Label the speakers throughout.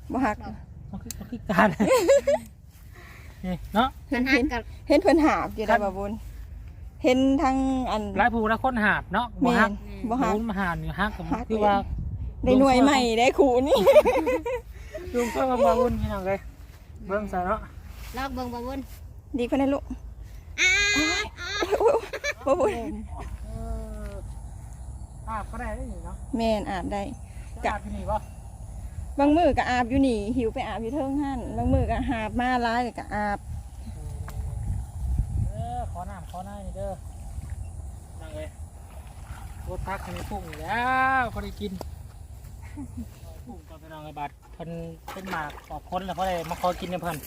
Speaker 1: บ่ฮัก
Speaker 2: มันคือการนี่เนาะ
Speaker 1: เห็นเพิ่นหาบอยู่ได้บ่บุญเห็นทั้งอัน
Speaker 2: หลายผู้ละคนหาบเนาะบ่
Speaker 1: แม่
Speaker 2: ฮัก
Speaker 1: นบ่ฮัก
Speaker 2: บุญมาหาอยู่ฮักก็คือว่า
Speaker 1: ได้หน่วยใหม่ได้ครูนี่
Speaker 2: ลุงก็มาบ่บุญพี่น้องเลยเบิ่งซะเนาะ
Speaker 3: ลอกเบิ่งบ่บุญ
Speaker 1: ดีเพิ่นได้ลูกบ่บุญ
Speaker 2: อาบก็ได้นี่เนาะ
Speaker 1: แม่นอาบได้
Speaker 2: อาบที่นี่บ่
Speaker 1: บางมื้อก็อาบอยู่นี่หิวไปอาบอยู่เทิงหั่นบางมื้อก็หาบมาหลายก็อาบ
Speaker 2: ขอน้ำขอหน้านี่เด้อนั่งเลยรถทักคันนี้พุ่งอยู่แล้วเขาได้กินพุ่งก็ไปนอนกับบาดเพิ่นเป็นหมากออกพ้นแล้วเพราะอะไรมาขอกินเนี่ยเพิ่น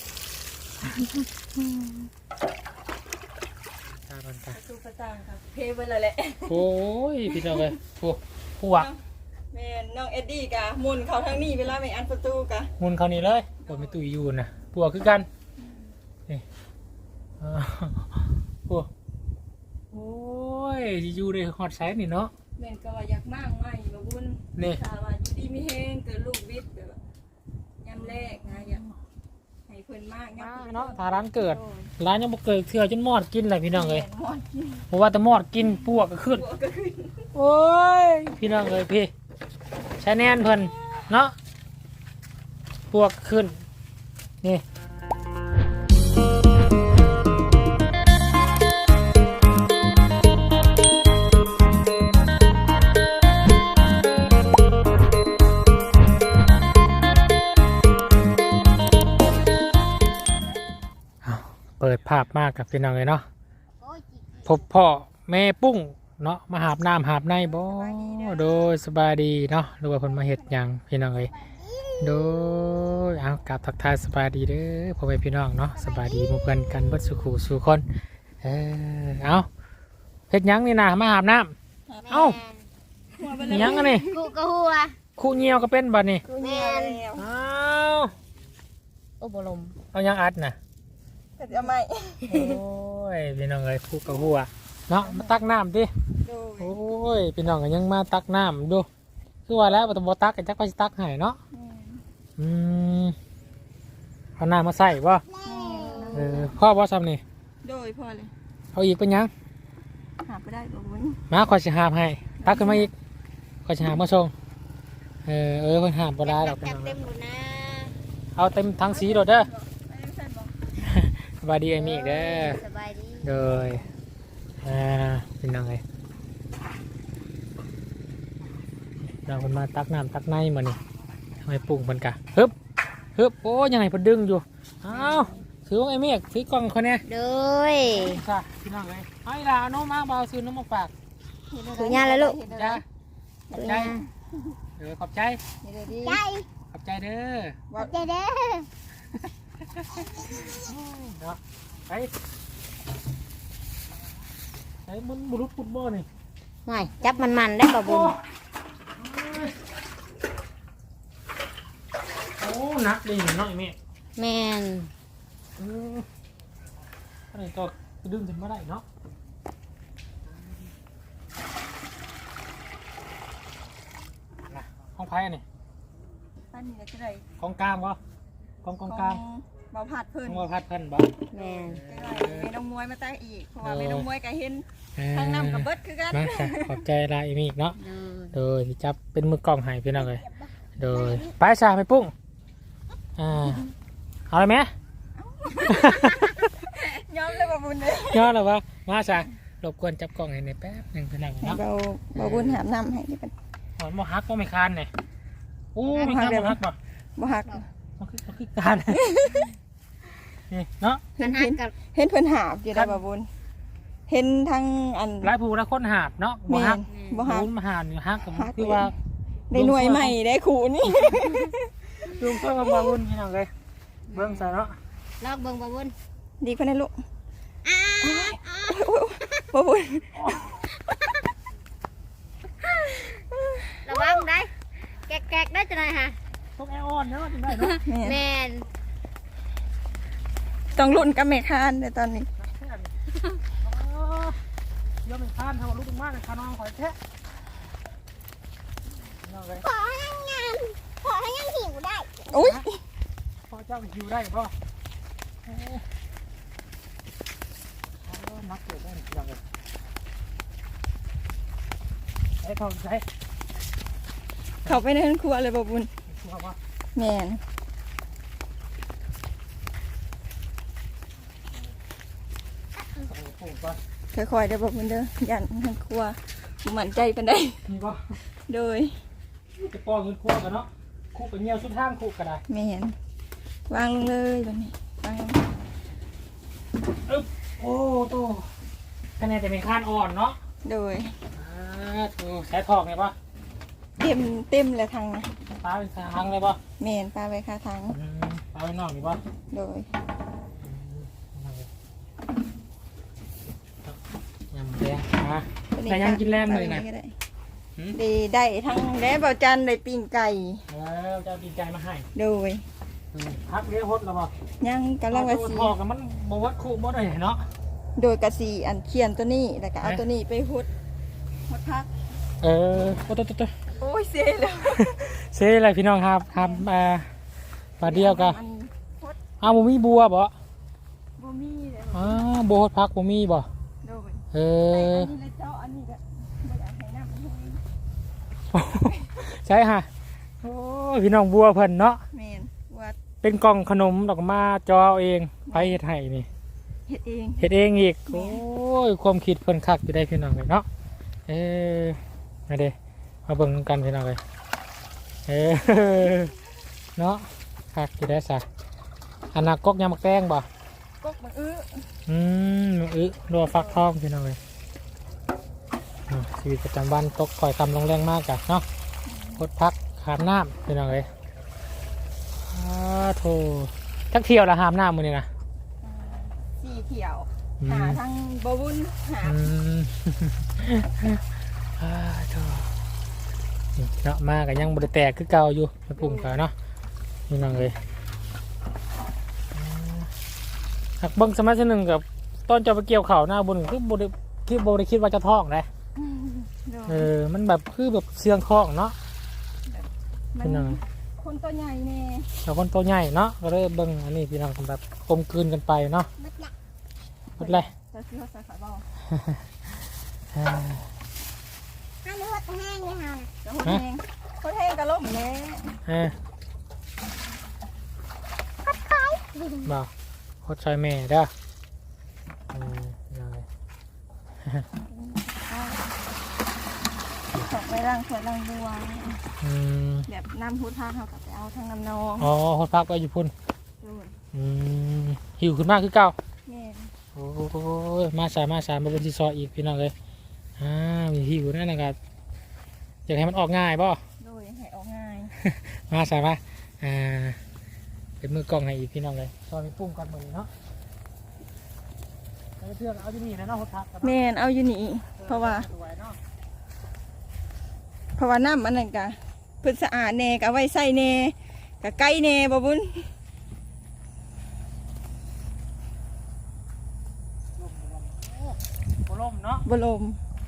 Speaker 2: ตาเพิ่นตา
Speaker 1: ตู้ประจางครับเพเบิ่นแหละ
Speaker 2: โอ้ยพี่น้องเลยพวก
Speaker 1: แม่นน้องเอ็ดดี้ก็หมุนเข้าทางนี้เวลาไปอันประตูก็
Speaker 2: มุนเขานี่เลยปวดไม่ตุยอยู่นะพวกคือกันนี่พวกโอ้ยอยู่ในฮอตไซส์นี่เนาะ
Speaker 1: แม่นก็ว่าอยากมากใหม่บ่บุญ
Speaker 2: นี่
Speaker 1: ถ้าว่าอยู่ดีมีแฮงเกิดลูกบิดแบบยามแรกนะอยากให้เพิ่นมาก
Speaker 2: เนาะถ้าร้านเกิดร้านยังบ่เกิดเถื่อจนมอดกินเลยพี่น้องเลย
Speaker 1: หมดกิน
Speaker 2: เพราะว่าแต่มอดกินพวกก็ขึ้น
Speaker 1: หัวก็ขึ้น
Speaker 2: โอ้ยพี่น้องเลยพี่ใช้แน่นเพิ่นเนาะพวกขึ้นนี่เปิดภาพมากกับพี่น้องเลยเนาะ
Speaker 3: โอ้ย
Speaker 2: พบพ่อแม่ปุ้งเนาะมาหาบน้ำหาบในบ่โดยสบายดีเนาะหรือว่าเพิ่นมาเฮ็ดหยังพี่น้องเอ้ยโดยเอากลับทักทายสบายดีเด้อพ่อแม่พี่น้องเนาะสบายดีหมู่เพิ่นกันเบิดสุขุสู่คนเอาเฮ็ดหยังนี่นะมาหาบน้ำเอ้าหยังอันนี้
Speaker 3: กูกะหัว
Speaker 2: คู่เหี่ยวก็เป็นบัดนี้
Speaker 3: แม่น
Speaker 2: อ้าวโอ้บ่ลมเอาหยังอัดน่ะ
Speaker 1: ก็จะไม่
Speaker 2: โอ้ยพี่น้องเอ้ยคู่กับหัวเนาะมาตักน้ำดิ
Speaker 1: โดย
Speaker 2: โอ้ยพี่น้องก็ยังมาตักน้ำดูคือว่าแล้วต้องบ่ตักกันจักไปสิตักให้เนาะอืมเอาน้ำมาใส่บ่พ่อบ่ซ้ำนี่
Speaker 1: โดยพอเลย
Speaker 2: เอาอีกเป็นหยัง
Speaker 1: หาไปได้บ่บุญ
Speaker 2: มาขอยสิหาบให้ตักขึ้นมาอีกขอยสิหาบมาส่งเพิ่นหาบบ่ได้ดอกพี่
Speaker 3: จัด
Speaker 2: น้อง
Speaker 3: เต็มหมดนะ
Speaker 2: เอาเต็มทั้งสีโดดเด้อสบายดีไอ้มีอีกเด้อ
Speaker 3: สบายดี
Speaker 2: โดยเป็นยังไงเราคนมาตักน้ำตักในมานี่ทำไมปรุงมันกะฮึบโอ้ยังไงพอดึงอยู่อ้าวถือว่าไอ้เมฆถือกล่องคนเนี้ย
Speaker 3: โดย
Speaker 2: จ้ะพี่น้องเลยไอ้ลาโน้มมาเบาซื้อน้ำมาฝาก
Speaker 3: ถือยาแล้วลูก
Speaker 2: จ้ะขอบ
Speaker 3: ถือ
Speaker 2: ใจ
Speaker 3: ยา
Speaker 2: ขอบใจ
Speaker 3: ใจ
Speaker 2: ขอบใจเด้อ
Speaker 3: ใจเด้อ
Speaker 2: เนาะไอ้มันบุรุษฟุตบอลนี่
Speaker 3: ไม่จับมันได้บ่บุญ
Speaker 2: โอ้หนักเลยเนาะไอ้เมฆ
Speaker 3: แม่น
Speaker 2: อะไรก็ดึงถึงมาได้เนาะห้องไพ่นี่
Speaker 1: อันนี้จะได้
Speaker 2: ของกลางวะของกลาง
Speaker 1: เบาผัดเพิ่น
Speaker 2: ของว่าพัดเพิ่นบ่
Speaker 3: แม่น
Speaker 1: แม่น้องมวยมาตั้งอีกเพราะว่าแม่น้องมวยก็เห็น
Speaker 2: ทา
Speaker 1: ทางน้ำกับเบิดคือกัน
Speaker 2: มาค่ะขอบใจลายมีอีกเนาะ
Speaker 3: โดย
Speaker 2: โดยที่จับเป็นมือกล้องให้พี่น้องเลยโดยไปชาไปปุ้งเอาเลยไหม
Speaker 1: ยอมเลยบ่บุญเลย
Speaker 2: ยอดเลยวะมาชารบกวนจับกล้องให้ในอยแป๊บหนึ่งพี่น้อง
Speaker 1: ให้
Speaker 2: เนาะ
Speaker 1: เบาบุญหามน้ำให้นี่เป็น
Speaker 2: หอนมฮักก็ไม่คานเนี่ยอู้มีคานมฮักป่ะ
Speaker 1: บ่ฮัก
Speaker 2: มันคือการนี่เนาะ
Speaker 1: เห็น
Speaker 3: หักกับ
Speaker 1: เห็นเพิ่นหาบอยู่ได้บ่บุญเห็นทั้งอัน
Speaker 2: หลายผู้ละคนหาบเนาะบ่
Speaker 1: แม่
Speaker 2: ฮัก
Speaker 1: นบ่ฮัก
Speaker 2: บุญมาหาอยู่ฮักก็คือว่า
Speaker 1: ได้หน่วยใหม่ได้ครูนี่
Speaker 2: ลุงเพิ่งมาบุญพี่น้องเลยเบิ่งซะเนาะ
Speaker 3: ลอกเบิ่งบ่บุญ
Speaker 1: ดีกว่านั้นลูกบ่บุญ
Speaker 3: ระวังได้แกกๆได้จังได๋ฮะ
Speaker 2: ต้องแอออนเนาะถึงได้เนาะ
Speaker 1: แม่
Speaker 3: แม่น
Speaker 1: ต้องลุ้นกับแม่คานในตอนนี้
Speaker 2: เยอะเป็นคานเท่าลูกมากเลยคานองข่อยแท้น้องเลย
Speaker 3: ขอให้งานพอให้ยังหิวได้
Speaker 1: อุ้ย
Speaker 2: พ่อเจ้าหิวได้ป่ะนักเกิดได้ยังไงไอ้ทองใช้
Speaker 1: เขาไปในครัวเลยบ่บุญ
Speaker 2: ชัวร์ป่ะ
Speaker 1: แม่น
Speaker 2: โอ้โหป่ะ
Speaker 1: ค่อยๆเด้อบ่บุญเด้อยันในครัวบ่มั่นใจปานใด
Speaker 2: มีป่ะ
Speaker 1: โดย
Speaker 2: จะป้อนเงินคั่วกันเนาะคู่กับเงี้ยวสุดทางคู่กันได้
Speaker 1: แม่นวางลงเลยบัดนี้วางลง
Speaker 2: โอ้โตคะแนนแต่ไม่คานอ่อนเนาะ
Speaker 1: โดย
Speaker 2: ใช้ทองไงป่ะ
Speaker 1: เต็มเลยทางนะ
Speaker 2: ปลาเป็นทางเลยป่ะ
Speaker 1: แม่นปลาไว้ค่าทาง
Speaker 2: ปลาเป็นนอกนี่ป่ะ
Speaker 1: โดย
Speaker 2: ยำแดงแต่ยังกินแรงเลยนะ
Speaker 1: ดีได้ทั้งแด้เบาจันได้ปิ้งไก่
Speaker 2: แล้วจะดีใจมาให้
Speaker 1: โดย
Speaker 2: พักเลี้ยงฮดแล้วป่ะ
Speaker 1: ยังกำลังว่าสี
Speaker 2: ทองกันมันบวัดคู่บ่ได้เนาะ
Speaker 1: โดยกระสีอันเขียนตัวนี้แล้วก็เอาตัวนี้ไปหุดพัก
Speaker 2: โอ้ตัว
Speaker 1: โอ้ยเสียแล้ว
Speaker 2: เซ่อะไรพี่น้องครับปลาเดียวกัน
Speaker 1: มันฮด
Speaker 2: อ้าวบ่มีบัวบ่
Speaker 1: บ่มีเลย
Speaker 2: บัวฮดพักบ่มีบ่
Speaker 1: โดย
Speaker 2: เอ
Speaker 1: อั
Speaker 2: อน
Speaker 1: นี้เลยเจ้าอันนี้ก็บ่อยากให้น้ำมันให้
Speaker 2: ใช่ฮะโอ้พี่น้องบัวเพิ่นเนาะ
Speaker 1: แม่นวัด
Speaker 2: เป็นกล่องขนมดอกมาจอเอาเองไปเฮ็ดให้นี่
Speaker 1: เฮ็ดเอง
Speaker 2: เฮ็ดเองอีกโอ้ยความคิดเพิ่นคักอยู่ได้พี่น้องเลยเนาะมาเด้มาเบิ่งกันพี่น้องเลยเนาะคักอยู่ได้ซะอันน่ะกกยำมักแตงบ่
Speaker 1: กกมันอื้อ
Speaker 2: รัวฟักทองพี่น้องเลยชีวิตประจำวันตกคอยคำลงแรงมากจ้ะเนาะกดพักหามน้ำพี่น้องเลยโธ่ทักเที่ยวละหามน้ำมือนี่นะ
Speaker 1: สีเขียวหาทางบ่บุญหา
Speaker 2: โธ่เนาะมากันยังบริแตกคือเก่าอยู่ไปปรุงกันเนาะพี่น้องเลยหักเบิ้งสมัยหนึ่งกับต้นจะไปเกี่ยวเข่าหน้าบนคือบริคิดว่าจะท้องเลยมันแบบคือแบบเสียงท้องเนาะ
Speaker 1: มันคนตัวใหญ่แน่
Speaker 2: แต่คนตัวใหญ่เนาะก็เลยเบิ้งอันนี้พี่น้องแบบกลมกลืนกันไปเนาะหมดเลย
Speaker 1: จะซื้อใส่ขาเบา
Speaker 3: ถ้ารู้ว่าแห้งเลยค่ะ
Speaker 1: จะคนแห้งคนแห้งกระล่มแน่
Speaker 2: บอกโคตรชอยแม่เด้อยังไง
Speaker 1: ตกไปร่างสวยร่างดวงแบบน้ำพุทธาเขาก็ไปเอาทางน้ำนอง
Speaker 2: อ๋อโคตรพักไปอยู่พุ่น
Speaker 1: ดูน
Speaker 2: หิวขึ้นมากคือเก่า
Speaker 1: แม่
Speaker 2: โอ้ยมาสามาเป็นที่ซอยอีกพี่น้องเลยมีหิวนั่นนะครับอยากให้มันออกง่ายป่ะ
Speaker 1: โดยให้ออกง่าย
Speaker 2: มาสามาเป็นมือกล้องให้อีกพี่น้องเลยซอยมีปุ้งก่อนมือเนาะเพื่อนเอาที่นี่นะเนาะโคตรพัก
Speaker 1: แม่เอาอยู่นี่เพราะว่าน้ำมันนั่นกะเพื่อสะอาดแน่กะไว้ใส่แน่กะไก่แน่บ่บุญ
Speaker 2: ลมเนาะ
Speaker 1: บ่ลม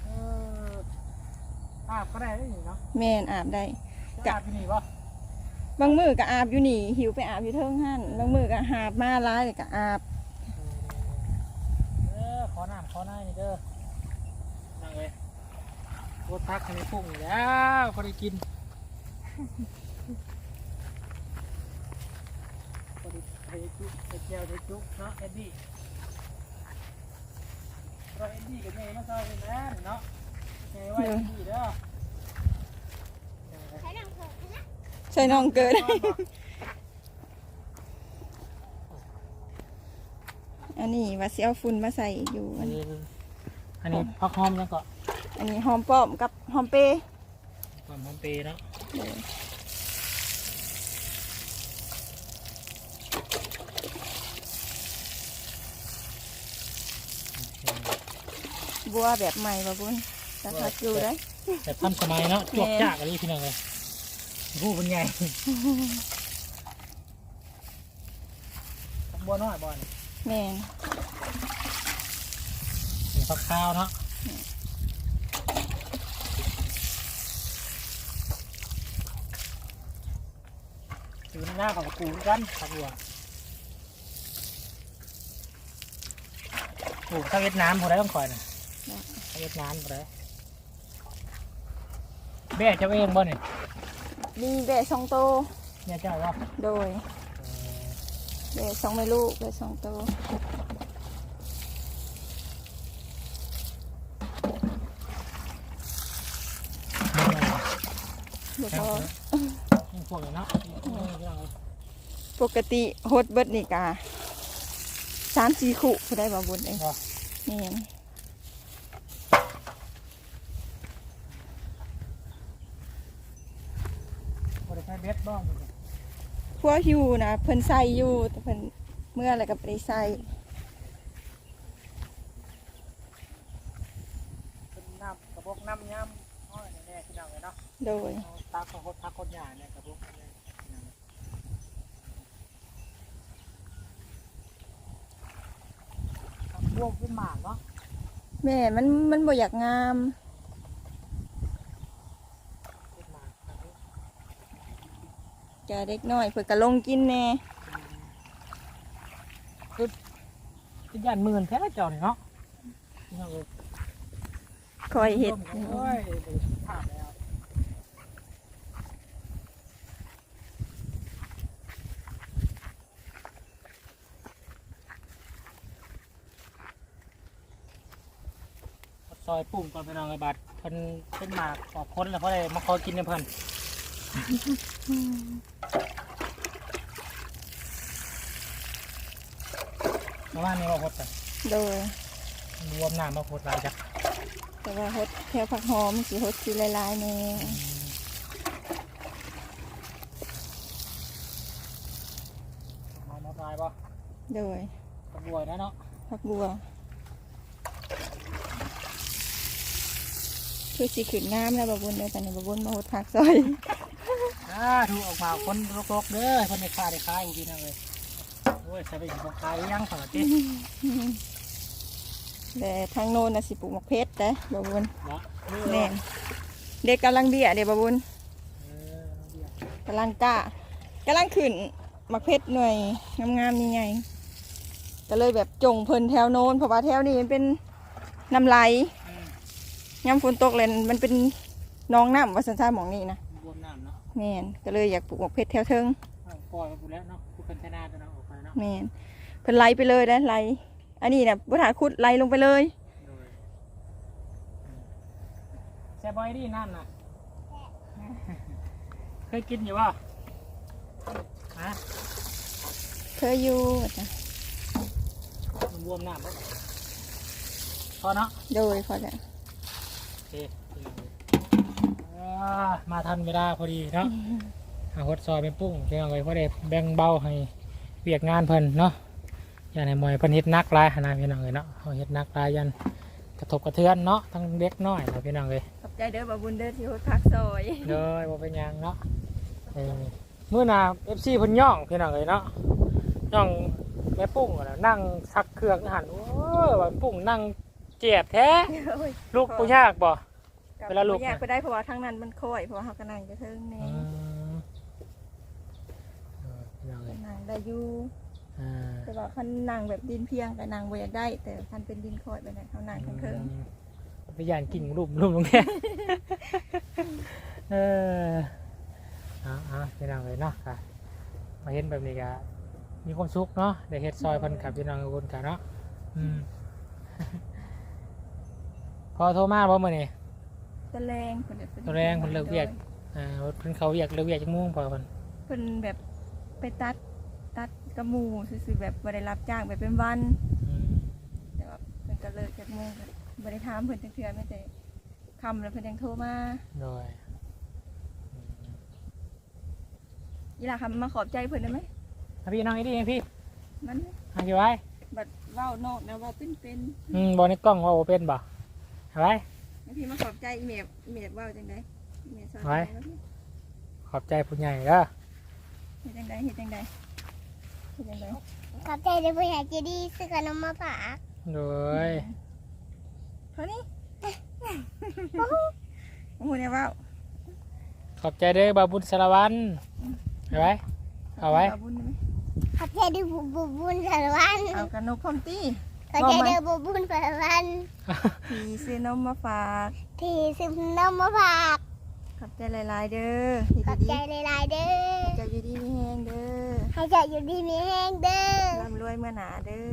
Speaker 2: อาบก็ได้เนาะ
Speaker 1: แม่นอาบได้
Speaker 2: อาบที่นี่ป่ะ
Speaker 1: บางมือก็อาบอยู่นี่หิวไปอาบอยู่เทิงหั่นบางมือก็หาบมาร้ายเลยก็อาบ
Speaker 2: ขอน้ำขอหน้านี่เด้อนั่งเลยโคตรพักให้ปุ้งแล้วพอได้กินพอได้ไข่จุไข่เจียวไข่จุเนาะเอ็ดดี้เราเอ็ดดี้กับแม่มาซอยกันนะเนาะแม่ไว้เอ็ดดี้เด้อ
Speaker 3: ใช้น้ำเผือกนะ
Speaker 1: ใส่น้องเกิด อันนี้ว่าสิเอาฝุ่นมาใส่อยู่อันนี้
Speaker 2: อันนี้พักหอมยังก็
Speaker 1: อันนี้หอมป้อมกับหอมเปรย์
Speaker 2: ความหอมเปย์เนาะ
Speaker 1: บัวแบบใหม่บ่บุญราคาอยู่ได้
Speaker 2: แต่ทำสมัยเนาะจวกจากอะไรพี่น้องเลยผู้เป็นไงบัวน้อยบ่อน
Speaker 1: แม่น
Speaker 2: เป็นฟักข้าวเนาะหน้าของกูกันผักบัวโอ้ถ้าเวียดนามพอได้ต้องคอยนะถ้าเวียดนามพอได้แม่เจ้าเองบ่เนี่ย
Speaker 1: มีแบะ2โตว
Speaker 2: แม่เจ้าว่า
Speaker 1: โดยแบะ2แม่ลูกแบะ2โตวบ่พอ
Speaker 2: พวกนี้เนาะ
Speaker 1: ปกติโฮดเบิดนี่กะ3-4 คู่ผู้ได้บ่บุญเองนี่น
Speaker 2: พอได้ใช้เบ็ดบ้าง
Speaker 1: พวกหิวนะเพิ่นใส่อยู่แต่เพิ่นเมื่ออะไรก็บ่ไปใส่
Speaker 2: เป็นน้ำกระบอกน้ำย้ำอ้อยแน่ๆพี่น้องเลยเนาะ
Speaker 1: โดย
Speaker 2: ตาของทักคนหยาเนี่ยกระบอกพวกเป็นหมากเนาะ
Speaker 1: แม่มันบ่อยากงาม
Speaker 2: เป็นหมาก
Speaker 1: แกเด็กน้อยเพิ่นก็ลงกินแน่
Speaker 2: เป็นยันหมื่นแท้เจ้าเนี่ยเนาะพี่น้องเลย
Speaker 1: คอยเฮ็ด
Speaker 2: โอ้ยถามแล้วซอยปุ่มก่อนไปน้องไอ้บัดเพิ่นเป็นหมากออกพ้นแล้วเพราะอะไรมาคอยกินในเพิ่นประมาณนี้ว่าพดไป
Speaker 1: โดย
Speaker 2: รวมน้ำมาพดหลายจ้ะ
Speaker 1: แต่ว่าเฮ็ดแถวผักหอมสิเฮ็ดสิหลายๆแน่
Speaker 2: มาหมดลายป่ะ
Speaker 1: โดย
Speaker 2: กระบวยนะเนาะ
Speaker 1: ผักบัวคือสิขึ้นงามแล้วบ่บุญเด้อตอนนี้บ่บุญมาเฮ็ดผักซอย
Speaker 2: ถูกออกมาคนรกๆเด้อคนในคายอยู่ที่นั่นเลยโอ้ยใส่ไปอีกคายยังขนาดนี้
Speaker 1: แต่ทางโน้นน่ะสิปลูกมะเพชรเด้อบ่บุญ
Speaker 2: เนาะ
Speaker 1: แน่นเด็กกำลังเบี้ยเด้บ่บุญกำลังกล้ากำลังขึ้นมะเพชรหน่วยงามๆนี่ไงก็เลยแบบจงเพิ่นแถวโน้นเพราะว่าแถวนี้มันเป็นน้ำไหลย่ำฝนตกเลยมันเป็นหน้องน้ำว่าสันซ่าหมองนี่นะ
Speaker 2: รวมน้ำเนาะ
Speaker 1: แม่นก็เลยอยากปลูกมะเพชรแถวเทิง
Speaker 2: ปล่อยไปแล้วเนาะผู้เป็นชนะตัวเนาะออกไปเนาะ
Speaker 1: แม่นเพิ่นไหลไปเลยนะไหลอันนี้นะบุษาขุดไหลลงไปเลย
Speaker 2: แซ่บอยดีนั่นน่ะเคยกินอยู่ป่ะฮะ
Speaker 1: เคยอยู่จ้ะ
Speaker 2: มันรวมน้ำป่ะพอเนาะ
Speaker 1: โดยพอแล้ว
Speaker 2: โอเคมาทันเวลาพอดีเนาะหดซอยเป็นปุ้งเพียงไว้พอได้แบ่งเบาให้เวียกงานเพิ่นเนาะอย่าให้มวยเพิ่นเฮ็ดนักหลายนะพี่น้องเอ้ยเนาะเฮาเฮ็ดนักหลายยันกระทบกระเทือนเนาะทั้งเด็กน้อยนะพี่น้องเอ้ย
Speaker 1: ขอบใจเด้อบ่บุญเด้อที่โฮดพักซอย
Speaker 2: เด้อบ่เป็นหยังเนาะมื้อหน้า FC เพิ่นย่องพี่น้องเอ้ยเนาะย่องแม่ปุ้งน่ะนั่งซักเครื่องหันโอ้ว่าปุ้งนั่งเจ็บแท้ลูกบ่ยากบ่ เวลาลูก
Speaker 1: อยากไปได้เพราะว่าทางนั้นมันค่อยเพราะว่าเฮาก็นั่งจะเทิงแน่
Speaker 2: พี่น้องเอ้ย
Speaker 1: นั่งได้อยู่แต่ว่าคันนั่งแบบดินเพียงก็นั่งบ่อยากได้ แต่คันเป็นดินค่อยแบบนั้นเฮานั่งเทิง
Speaker 2: ไปย่านกิ่งรูปลงแค่พี่น้องเลยเนาะค่ะมาเห็นแบบนี้ก็มีความสุขเนาะได้เฮ็ดซอยเพันขับพี่น้องทุกคนกันเนาะพอโทรมาบ่มื้อนี้
Speaker 1: ๆตะแรงเพิ่นแบบ
Speaker 2: ตะแรงเพิ่นเลิกเวียก เพิ่นเขาเวียกเลิกเวียกจักโมงพอเพิ่น
Speaker 1: เพิ่นแบบไปตัดกระหมูซื่อๆแบบบ่ได้รับจ้างแบบเป็นวัน แต่ว่าเพิ่นก็เลิกจากโมงก็บ่ได้ถามเพิ่นจักเทื่อแม้แต่ค่ำแล้วเพิ่นยังโทรมา
Speaker 2: โดย
Speaker 1: อีหล่ะค่ะมาขอบใจเพิ่นได้ไหม
Speaker 2: พี่น้องอีดีพี่
Speaker 1: มัน
Speaker 2: อยู่ไว้
Speaker 1: บัดเว้านอกนะเว้าเป็น
Speaker 2: บ่ในกล้องว่าบ่เป็นบ่ไว้
Speaker 1: ๆบางทีมาขอบใจอีเมลเว้าจังได๋อีเมลสอน
Speaker 2: ไว้
Speaker 1: จังได๋
Speaker 2: ขอบใจผู้ใหญ่เด้อ
Speaker 1: เฮ็ดจังได๋
Speaker 3: ขอบใจในผู้ใหญ่ใจดีซื้อขนมมาฝาก
Speaker 2: โดย
Speaker 1: เท่านี้โอ้โหเนี่ยเว้า
Speaker 2: ขอบใจเด้อบาบุญสารวัตรไว้
Speaker 1: ขอบ
Speaker 2: เอาไว้
Speaker 1: บบุญได้ไหม
Speaker 3: ขอบใจด้วยบุญสารวัน
Speaker 1: เอากันนกพร้อมตี้
Speaker 3: ขอบใจด้วยบุญสารวัน
Speaker 1: พี่ซื้อนมมาฝาก
Speaker 3: ที่ซื้อนมมาฝาก
Speaker 1: ขอบใจหลายๆเด้อพี่
Speaker 3: ขอบ
Speaker 1: ดี
Speaker 3: ใจหลายๆเด้อ
Speaker 1: ๆจะอยู่ดีมีแห้งเด้อ
Speaker 3: ให้เจ้าอยู่ดีมีแห้งเด้อ
Speaker 1: ร่ำรวยเมื่อหนาเด้อน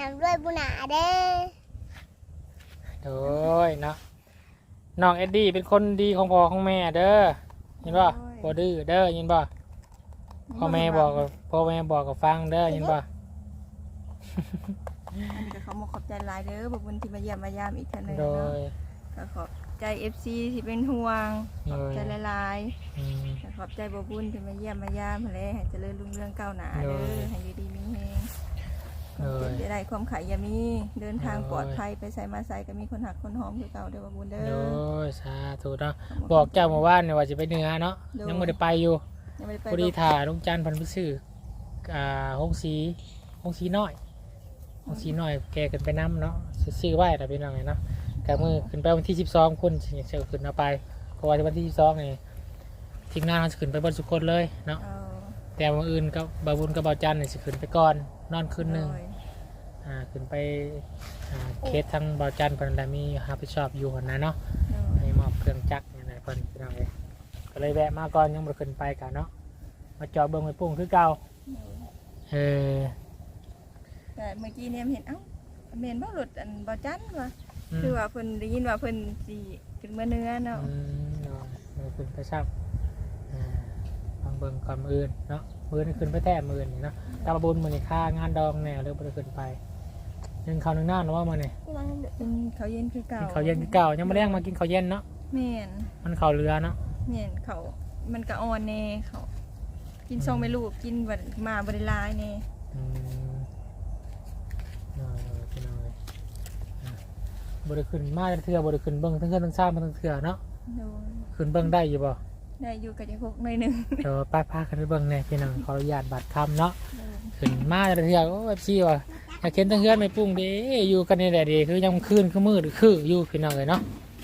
Speaker 3: ำด้วยบุญหนาเด้อ
Speaker 2: โดยเนาะน้องเอ็ดดี้เป็นคนดีของพ่อของแม่เด้อเห็นป่ะบ่ดื้อเด้อเห็นป่ะพ่อแม่บอกกับฟังเด้อเห็นป่ะ
Speaker 1: อันนี้ก็เขามาขอบใจหลายเด้อบบุญที่มาเยี่ยมมายามอีกเท่านึง
Speaker 2: โด
Speaker 1: เนาะ
Speaker 2: ย
Speaker 1: ก็ขอบใจ FC ที่เป็นห่วงขอบใจหลาย
Speaker 2: อืม
Speaker 1: ๆก็ขอบใจบบุญที่มาเยี่ยมมายามหั่นแหละให้เจริญรุ่งเรืองก้าวหน้าเด้
Speaker 2: โด
Speaker 1: อย ให้อยู่ดีมีแห้ง
Speaker 2: โดย
Speaker 1: จะได้ความขายอย่ามีเดินทาง
Speaker 2: โดย
Speaker 1: ปลอดภัยไปใส่มาใส่ก็มีคนหักคนหอมคือเก่าเด้อบบุญเด้
Speaker 2: โด
Speaker 1: อย
Speaker 2: สาธุเนาะบอกเจ้าเมื่อวานเนี่ยว่าจะไปเหนือเนาะยังไม่ได้ไปอยู่
Speaker 1: ยังไม่ได้ไป
Speaker 2: พอดีถ่าลุงจันทร์พันธุ์ซื้อห้องสีน้อยห้องสีน้อยแกขึ้นไปน้ำเนาะซื้อไว้แต่เป็นยังไงเนาะกมือขึ้นไปวันที่12คนจะขึ้นเอาไปเพราะว่าวันที่12นี่ทีมงานเขาจะขึ้นไปบนสุคนเลยเนาะ
Speaker 1: เอา
Speaker 2: แต่วันอื่นกับบาบุญกับบาจันเนี่ยจะขึ้นไปก่อนนอนคืนหนึ่ง
Speaker 1: โดย
Speaker 2: ขึ้นไปเคสทั้งบาจันเพิ่นได้มีรับผิดชอบอยู่หั่นนะเนาะ
Speaker 1: โดย
Speaker 2: ให้มอบเครื่องจักรนี่นเพิ่นพี่น้องเอ้ยก็เลยแวะมาก่อนยังบ่ได้ขึ้นไปกันเนาะมาจอดเบิ่งไว้ปุ้งคือเก่าเออ
Speaker 1: แต่เมื่อกี้เนี่ยเห็นเอ้าเมนบ่หลุดอันบ่จันว่ะ
Speaker 2: ม
Speaker 1: คือว่าเพิ่นได้ยินว่าเพิ่นสิขึ้นมาเนื้อเนาะ
Speaker 2: เนาะมือขึ้นไปซับฟังเบิ่งก่อนมืออื่นเนาะมือนี่ขึ้นไปแท้มือนี่เนาะตาบบุญมื้อนี้ค่างานดองแน่เลยบ่ได้ขึ้นไปยังข้าวนึงหน้าเนาะว่ามื้อนี้
Speaker 1: กินข้าวเย็นคือเก่า
Speaker 2: กินข้าวเย็นคือเก่ายังบ่แรงมากินข้าวเย็นเนาะ
Speaker 1: แม่น
Speaker 2: มันข้าวเรือเนาะ
Speaker 1: แม่นเขามันก็อ่อนแน่เขากินซองไม่ลูกกินบ่มาบ่ได้หลายแน่
Speaker 2: อืมน้อยพี่น้อยบ่ได้ขึ้นมาเทื่อบ่ได้ขึ้นเบิ่งทั้งเทื่อทั้งซ่ามาทั้งเทื่อเนาะ
Speaker 1: โดย
Speaker 2: ขึ้นเบิ่งได้อยู่บ่
Speaker 1: ได้อยู่กับจักพกหน่อยหนึง
Speaker 2: เดี๋ยวป้าพากันไปเบิ่งแน่พี่น้องขออนุญาตบัตรคำเนาะ
Speaker 1: โดย
Speaker 2: ขึ้นมาแต่เทื่อโอ้เอฟซีว่ะอยากเห็นทั้งเฮือนไม่ปรุงเด้อยู่กันนี่แหละเดีคือยังคืนคือมืดคืออยู่พี่น้องเลยเนาะ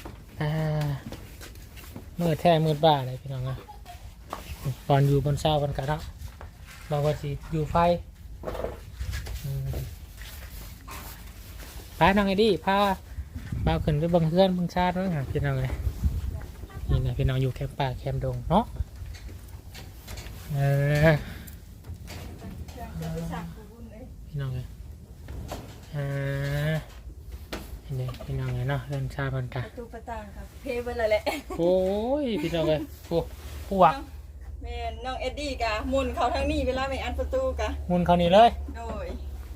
Speaker 2: มืดแท้มืดบ้าเลยพี่น้องนะตอนอยู่บนเสาบนกระเนาะบอกว่าสิอยู่ไฟอืมไปน้องไอ้ดิพาบ่าวขึ้นไปเบิ่งเฮือนเบิ่งชาติเนาะพี่น้องเลยนี่นะพี่น้องอยู่แคมป์ป่าแคมป์ดงเนาะเออ
Speaker 1: จะไปสักบบุญเลย
Speaker 2: พี่น้องเลยเห็นไหมพี่น้องเลยเนาะเรื่องชาบัน
Speaker 1: ป
Speaker 2: กะ
Speaker 1: ระตูประต่างครับเพไปเลยแหละ
Speaker 2: โอ้ยพี่น้องเลยโอ้ปวก
Speaker 1: แม่นน้องเอ็ดดี้กะหมุนเขาทางนี้เวลาไม่อันประตูกะ
Speaker 2: มุนเขานี่เลย
Speaker 1: โดย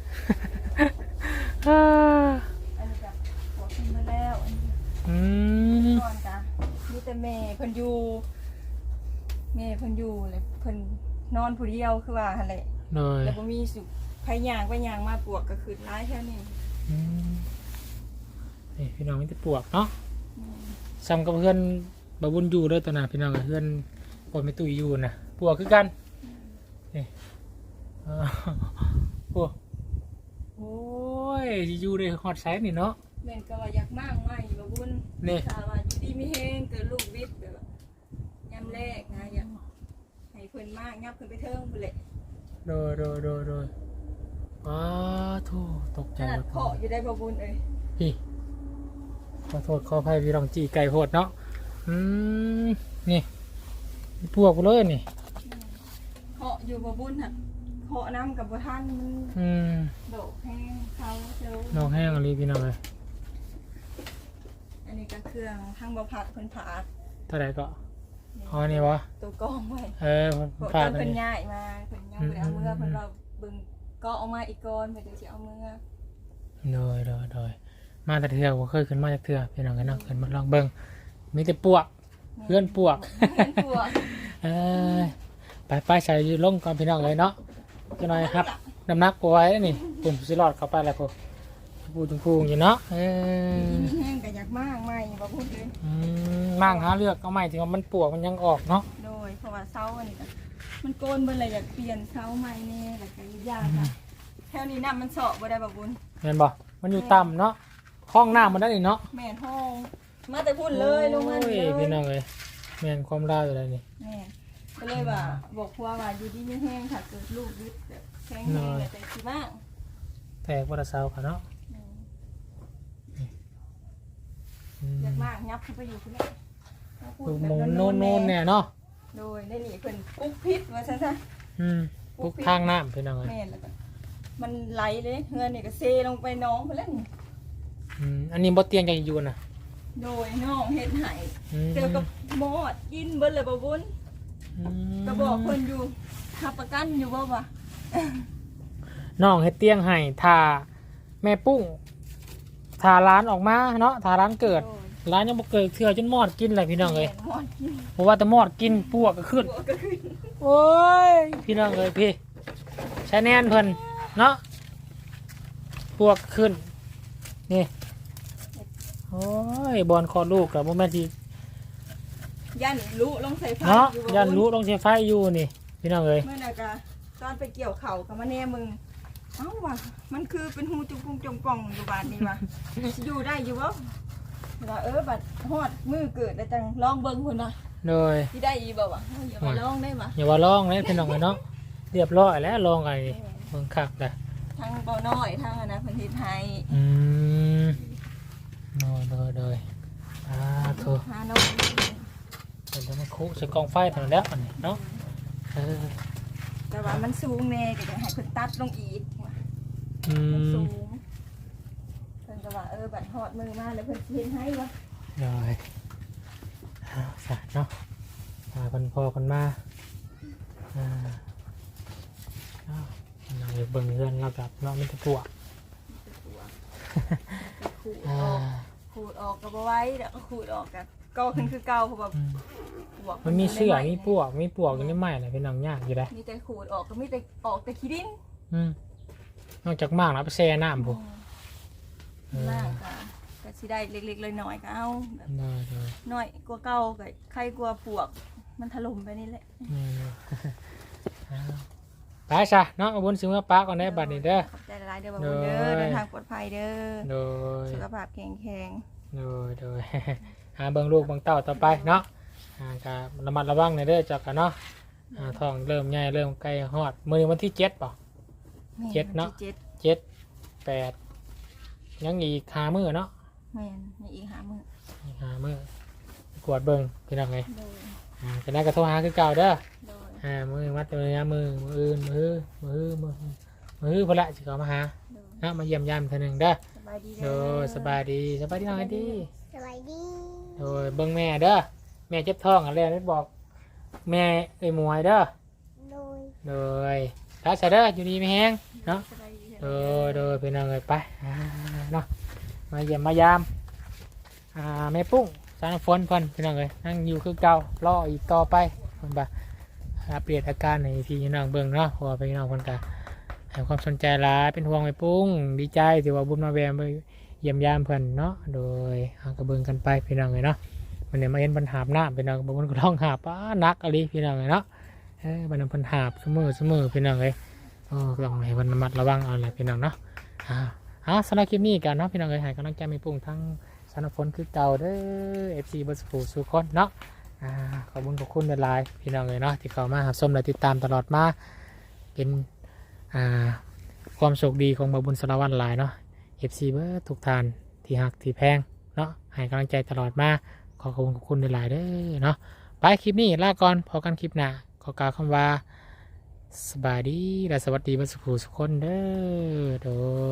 Speaker 2: อ่า
Speaker 1: อันนี้กะหัวขึ้นมาแล้วอันนี้
Speaker 2: อืม
Speaker 1: ก่อนกะมีแต่แม่เพิ่นอยู่แม่เพิ่นอยู่เลยเพิ่นนอนผู้เดียวคือว่าหั่นแหละ
Speaker 2: เลย
Speaker 1: แล้วบ่มีสุไผย่างไปย่างมาปวกก็คือร้ายแค่นี้
Speaker 2: อืมนี่พี่น้องมีแต่ปวกเนาะซ้ำกับเพื่อนบาบุญอยู่ด้วยตัวน่ะพี่น้องกับเพื่อนปนไม่ตุยอยู่นะปวกคือกันนี่อ่าปวกโอ้ยสิอยู่ในฮอตไซส์นี่เนาะ
Speaker 1: แม่นก็ว่าอยากมากไหมบ่บุญ
Speaker 2: นี่
Speaker 1: ถ้าว่าอยู่ดีมีแฮงเกิดลูกวิทย์แบบว่ายามแรกนะอยากให้เพิ่นมากยับขึ้นไปเทิงพุ่นแหละ
Speaker 2: โดยอ้าโธ่ตกใจ
Speaker 1: ขนาด
Speaker 2: หมด
Speaker 1: เคาะอยู่ได้บ่บุญเอ้ย
Speaker 2: พี่ขอโทษขออภัยพี่รองจีไก่โหดเนาะนี่พวกกูเลยนี่
Speaker 1: เคาะอยู่บ่บุญหั่นเคาะน้ำกับบ่ทันมัน โดดแห้งเขาเจอ
Speaker 2: น้องแห้งอะไรพี่น้องเลย
Speaker 1: อันนี้ก็เครื่องทางบ่ผักเพิ่นผาก
Speaker 2: เท่าไหร่ก็อ๋อนี่วะ
Speaker 1: ตัวกองไว้
Speaker 2: มัน
Speaker 1: พ
Speaker 2: ฝาก
Speaker 1: เพิ่น
Speaker 2: นี่
Speaker 1: ย้ายมาเพิ่นยังบ่ได้เอามือเพิ่นเราเบิ่งก็เอามาอีกก่อนเพิ่นจะสิเอามือ
Speaker 2: โดยมาแต่เถื่อผมเคยขึ้นมาจากเถื่อพี่น้องกันเนาะขึ้นมาลองเบิ่งมีแต่ปวกเพื่อนปวก
Speaker 1: เพิ่นตัว
Speaker 2: ไปใส่ลงก่อนพี่น้องเลยเนาะจะหน่อยครับน้ำหนักปไว้นี่ปุ่มสิรอดเข้าไปแล้วพวกพูงอยู่เนาะ
Speaker 1: แห้งก็อยากมากใหม่บ่พูดเลย
Speaker 2: มั่งหาเลือกเอาใหม่ถึงว่ามันปวกมันยังออกเนาะ
Speaker 1: โดยเพราะว่าเซาอันนี้ก็มันโกนเบิ่เลยอยากเปลี่ยนเซาใหม่แน่แล้วก็ยากค่ะแถวนี้น้ำมันเสาะบ่ได้บ่บุญ
Speaker 2: เห็นบ่มันอยู่ต่ำเนาะห้องน้ำมันได้นี่เนาะ
Speaker 1: แม่นห้องมาแต่พูดเลยลงมา
Speaker 2: โอ้
Speaker 1: เลย
Speaker 2: พี่น้องเลยแม่นความลาวอยู่เลยนี่
Speaker 1: แม่นก็เลยว่าบอกพัวว่าอยู่ดีไม่แห้งค่ะเกิดลูกยึดแบบแข็งแรงแต่สิบ้าง
Speaker 2: แตกวัดเสาค่ะเนาะ
Speaker 1: อยากมากยับเข้าไปอยู่ที่นี่
Speaker 2: ลูกหมูโน่นเนี่ยเนาะ
Speaker 1: โดยได้หนีเพิ่นปุ๊กพิษว่าซะซะ
Speaker 2: ปลูกทางน้ำพี่น้องเลย
Speaker 1: แม่นแล้วก็มันไหลเลยเฮือนนี่ก็เซลงไปน้องไปแล้วนี่
Speaker 2: อันนี้บ่เตียงจะอยู่น่ะ
Speaker 1: โดยน้องเฮ็ดให้
Speaker 2: อืม
Speaker 1: เจอกับหมอดกินเบิดเลยบ่บุญ ก็บอกเพิ่นอยู่ทับประกันอยู่บ่วะ
Speaker 2: น้องเฮ็ดเตียงให้ถ้าแม่ปุ้งถ้าร้านออกมาเนาะถ้าร้านเกิดร้านยังบ่เกิดเถื่อจนมอดกินเลยพี่น้องเลย
Speaker 1: หมอดกิน
Speaker 2: เพราะว่าแต่มอดกินปวกก็ขึ้น
Speaker 1: หัวก็ขึ้น
Speaker 2: โอ้ยพี่น้องเลยพี่ใช้แน่นเพิ่นเนาะปวกขึ้นนี่โอ้ยบอลคอลูกกับโมแม่นที่
Speaker 1: ยันรู้ลงใส่ไฟ
Speaker 2: เนาะ
Speaker 1: อยู่บ่
Speaker 2: ยันรู้ต้องใช้ไฟอยู่นี่พี่น้องเลย
Speaker 1: เมื่อน่ะกะตอนไปเกี่ยวเข่ากับมาแน่มึงเอ้าว่ะมันคือเป็นหูจุกปุงจงป่องอยู่บ้านนี่ว่ะอยู่ได้อยู่บ่ว่าบัดฮอดมือเกิดแล้วจังลองเบิ่งพุ่นว่ะ
Speaker 2: โดย
Speaker 1: สิได้อีบ่วะเฮ้ยอย่ามาลองได้ว่ะ
Speaker 2: อย่าว่าลองเลยพี่น้องเลยเนาะเรียบร้อยแล้วลองไงเบิ่งคักเลย
Speaker 1: ทางเบาน้อยทางอันนะเพิ่นเฮ็ดให้
Speaker 2: โดยโถ
Speaker 1: หาน้อง
Speaker 2: เดี๋ยวมันคุใส่กองไฟเท่านั้นแล้วอันนี้เนาะ
Speaker 1: แต่ว่ามันสูงแน่ก็จะให้เพิ่นตัดลงอีกว่ะ
Speaker 2: อื
Speaker 1: มันสู
Speaker 2: ม
Speaker 1: งเพิ่นก็ว่าบัดฮอดมือมาแล้วเพิ่นสิเฮ็ดให้ว่ะ
Speaker 2: โดยสะเนาะคนพอคนมาเราเบิ่งเพื่อนเรากับเนาะมันจะปวก
Speaker 1: ขูดออกก็บ่ไหว้แล้วก็ขูดออกก็ขึ้นคือเก่าเพราะว่าปวก
Speaker 2: มันมีเสือมีปวกอยู่ในไม้อะไรเป็นหนังยากอยู่ได้
Speaker 1: มีแต่ขูดออกก็มีแต่ออกแต่ขี้ดิน
Speaker 2: นอกจากมากแล้วไปแช่น้ำพวก
Speaker 1: มากก็สิได้เล็กๆน้อยๆก็เอาแบบ
Speaker 2: โดย
Speaker 1: น้อยกว่าเก่าก็ใครกลัวปวกมันถล่มไปนี่แหละ
Speaker 2: ไปซะเนาะเอาบุญซื้อมาปะก่อนได้บัดนี้เด้อ
Speaker 1: ขอบใจหลายๆเด้อบ่าวบุญเด้อเดินทางปลอดภัยเด้อ
Speaker 2: โดย
Speaker 1: สุขภาพแข็งแรง
Speaker 2: โดย หาเบิ่งลูกเบิ่งเต้าต่อไปเนาะก็ระมัดระวังในอยเด้อจักกันเนาะท้องเริ่มใหญ่เริ่มใกล้ฮอดมื้อวันที่7ป่ะ เจ็ดเนาะ 7 8ยังอีก5มื้อเนาะ
Speaker 1: แม่นมีอีกหามื้อ
Speaker 2: อีก5มื้อ กวดเบิ่งพี่น้องไง
Speaker 1: โดย
Speaker 2: ก็ได้ก็โทรหาคือเก่าเด้อ
Speaker 1: โดย
Speaker 2: มือมัดมือมืออื่นมือพอละสิเขามาหา
Speaker 1: โดย
Speaker 2: เนาะมาเยี่ยมยามเท่านึงเด้อ
Speaker 1: สบายดี
Speaker 2: โด
Speaker 1: เด้อย
Speaker 2: สบายดีน้องไอ้ดี
Speaker 3: สวัสดี
Speaker 2: โดยเบิ่งแม่เด้อแม่เจ็บท้องอะไรไม่บอกแม่ไอ้หมวยเด้อ
Speaker 3: โดย
Speaker 2: โดยถ้าเสร็จเด้ออยู่ดีไม่แห้งเนาะ
Speaker 1: สบายดี
Speaker 2: โดยเป็นยังไงไปเนาะมาเยี่ยมมายามแม่ปุ้งสารฝนเพิ่นเป็นยังไงนั่งอยู่คือเก่ารออีกต่อไปเพิ่นบ่อัปเดตอาการในพี่น้องเบิ่งเนาะเพราะว่าพี่น้องเพิ่นก็ให้ความสนใจหลายเป็นห่วงแม่ปุ้งดีใจที่ว่าบุญมาแวะมาเยี่ยมยามเพิ่นเนาะโดยก็เบิ่งกันไปพี่น้องเอ้ยเนาะวันนี้มาเห็นเพิ่นหาบน้ำพี่น้องบางคนก็ร้องหาบนักอะไรพี่น้องเอ้ยเนาะบัดนั้นเพิ่นหาบเสมอพี่น้องเอ้ยต้องให้เพิ่นระมัดระวังเอาแหละพี่น้องเนาะสำหรับคลิปนี้กันเนาะพี่น้องเอ้ยให้กำลังใจแม่ปุ้งทั้งสารฝนคือเก่าเด้อ FC เบิร์ดสุคนเนาะขอบคุณหลายๆพี่น้องเลยเนาะที่เข้ามาหาชมและติดตามตลอดมาเป็นความโชคดีของบาวบุญสารวัตรหลายเนาะ FC เบิร์ดทุกท่านที่หักที่แพงเนาะให้กำลังใจตลอดมาขอบคุณหลายๆเด้อเนาะไปคลิปนี้ลาก่อนพอกันคลิปหน้าขอกล่าวคำว่าสบายดีและสวัสดีเบิร์ดสุคนเด้อโดย